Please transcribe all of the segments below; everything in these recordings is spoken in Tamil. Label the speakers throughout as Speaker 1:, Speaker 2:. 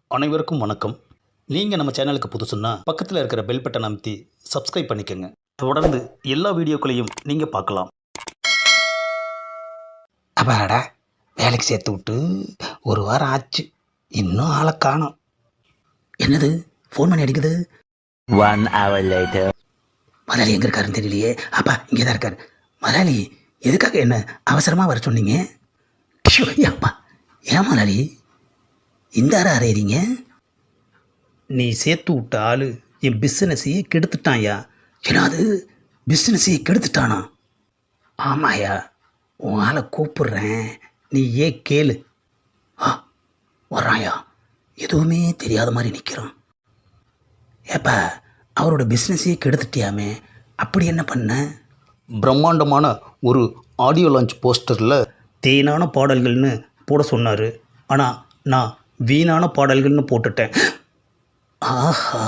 Speaker 1: அனைவருக்கும் வணக்கம். நீங்கள் நம்ம சேனலுக்கு புதுசுன்னா பக்கத்தில் இருக்கிற பெல் பட்டன் அமைத்தி சப்ஸ்கிரைப் பண்ணிக்கோங்க. தொடர்ந்து எல்லா வீடியோக்களையும் நீங்கள் பார்க்கலாம்.
Speaker 2: அப்பாடா, வேலைக்கு சேர்த்து விட்டு ஒரு வாரம் ஆச்சு, இன்னும் ஆளை காணோம். என்னது ஃபோன் பண்ணி அடிக்குது?
Speaker 3: 1 hour later.
Speaker 2: முதலாளி எங்கே இருக்காருன்னு தெரியலையே. அப்பா இங்கே தான் இருக்கார். முதலாளி எதுக்காக என்ன அவசரமாக வர சொன்னீங்க? ஷோ, அப்பா ஏன் முதலாளி இந்த அறையிறீங்க?
Speaker 1: நீ சேர்த்து விட்ட ஆள் என் பிஸ்னஸையே கெடுத்துட்டான்யா.
Speaker 2: ஏன்னாது பிஸ்னஸையே கெடுத்துட்டானா? ஆமாயா, உன் ஆளை கூப்பிடுறேன், நீ ஏன் கேளு. வர்றாயா, எதுவுமே தெரியாத மாதிரி நிற்கிறான். ஏப்பா அவரோட பிஸ்னஸையே கெடுத்துட்டியாமே, அப்படி என்ன பண்ண?
Speaker 1: பிரம்மாண்டமான ஒரு ஆடியோ லான்ச் போஸ்டரில் தேனான பாடல்கள்னு போட சொன்னார். ஆனால் நான் வீணான பாடல்கள்னு போட்டுட்டேன்.
Speaker 2: ஆஹா,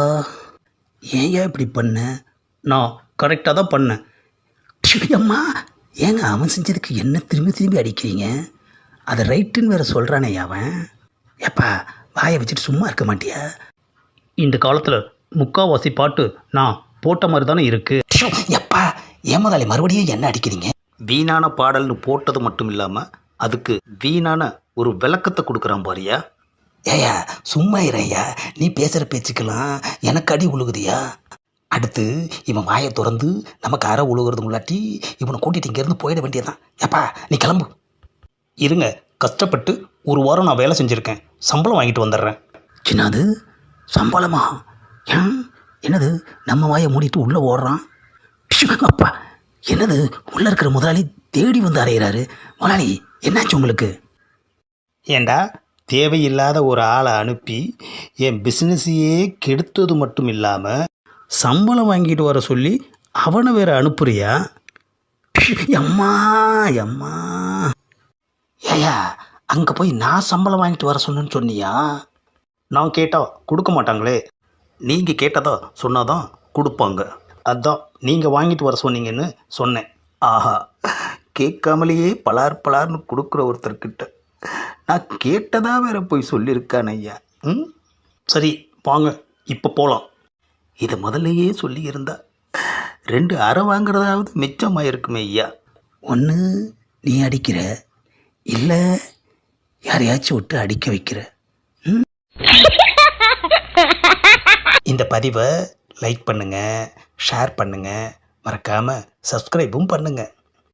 Speaker 2: ஏன் இப்படி பண்ண?
Speaker 1: நான் கரெக்டாக தான் பண்ணேன்.
Speaker 2: அம்மா, ஏங்க அவன் செஞ்சதுக்கு என்ன திரும்பி திரும்பி அடிக்கிறீங்க? அதை ரைட்டுன்னு வேற சொல்கிறானே அவன். ஏப்பா வாயை வச்சுட்டு சும்மா இருக்க மாட்டியா?
Speaker 1: இந்த காலத்தில் முக்காவாசி பாட்டு நான் போட்ட மாதிரி தானே இருக்குது.
Speaker 2: எப்பா ஏன் முதலாளி மறுபடியும் என்ன அடிக்கிறீங்க?
Speaker 1: வீணான பாடல்னு போட்டது மட்டும் இல்லாமல் அதுக்கு வீணான ஒரு விளக்கத்தை கொடுக்குறான் பாரியா.
Speaker 2: ஏயா சும்மா இறையா, நீ பேசுகிற பேச்சுக்கெல்லாம் எனக்கு அடி உழுகுதியா? அடுத்து இவன் வாயை திறந்து நமக்கு அரை உழுகிறது முன்னாட்டி இவனை கூட்டிகிட்டு இங்கேருந்து போயிட வேண்டியதான். ஏப்பா நீ கிளம்பு.
Speaker 1: இருங்க, கஷ்டப்பட்டு ஒரு வாரம் நான் வேலை செஞ்சுருக்கேன், சம்பளம் வாங்கிட்டு வந்துடுறேன்.
Speaker 2: சின்னது சம்பளமா? ஏன் என்னது நம்ம வாயை மூடிட்டு உள்ளே ஓடுறான்? அப்பா என்னது உள்ளே இருக்கிற முதலாளி தேடி வந்து அறையிறாரு. முதலாளி என்னாச்சு உங்களுக்கு?
Speaker 1: ஏண்டா, தேவையில்லாத ஒரு ஆளை அனுப்பி என் பிஸ்னஸையே கெடுத்தது மட்டும் இல்லாமல் சம்பளம் வாங்கிட்டு வர சொல்லி அவனை வேற அனுப்புறியா?
Speaker 2: அம்மா அம்மா, ஏயா அங்கே போய் நான் சம்பளம் வாங்கிட்டு வர சொன்னேன்னு சொன்னியா?
Speaker 1: நான் கேட்டால் கொடுக்க மாட்டாங்களே, நீங்கள் கேட்டதா சொன்னாதான் கொடுப்பாங்க. அதான் நீங்கள் வாங்கிட்டு வர சொன்னீங்கன்னு சொன்னேன். ஆஹா, கேட்காமலேயே பலார் பலார்னு கொடுக்குற ஒருத்தர்கிட்ட நான் கேட்டதா வேற போய் சொல்லியிருக்கான் ஐயா. சரி வாங்க, இப்போ போகலாம்.
Speaker 2: இதை முதல்லையே சொல்லியிருந்தா
Speaker 1: 2 அரை வாங்குறதாவது மிச்சமாக இருக்குமே ஐயா.
Speaker 2: ஒன்று நீ அடிக்கிற, இல்லை யாரையாச்சும் விட்டு அடிக்க வைக்கிற.
Speaker 1: இந்த பதிவை லைக் பண்ணுங்கள், ஷேர் பண்ணுங்கள், மறக்காமல் சப்ஸ்கிரைபும் பண்ணுங்கள்.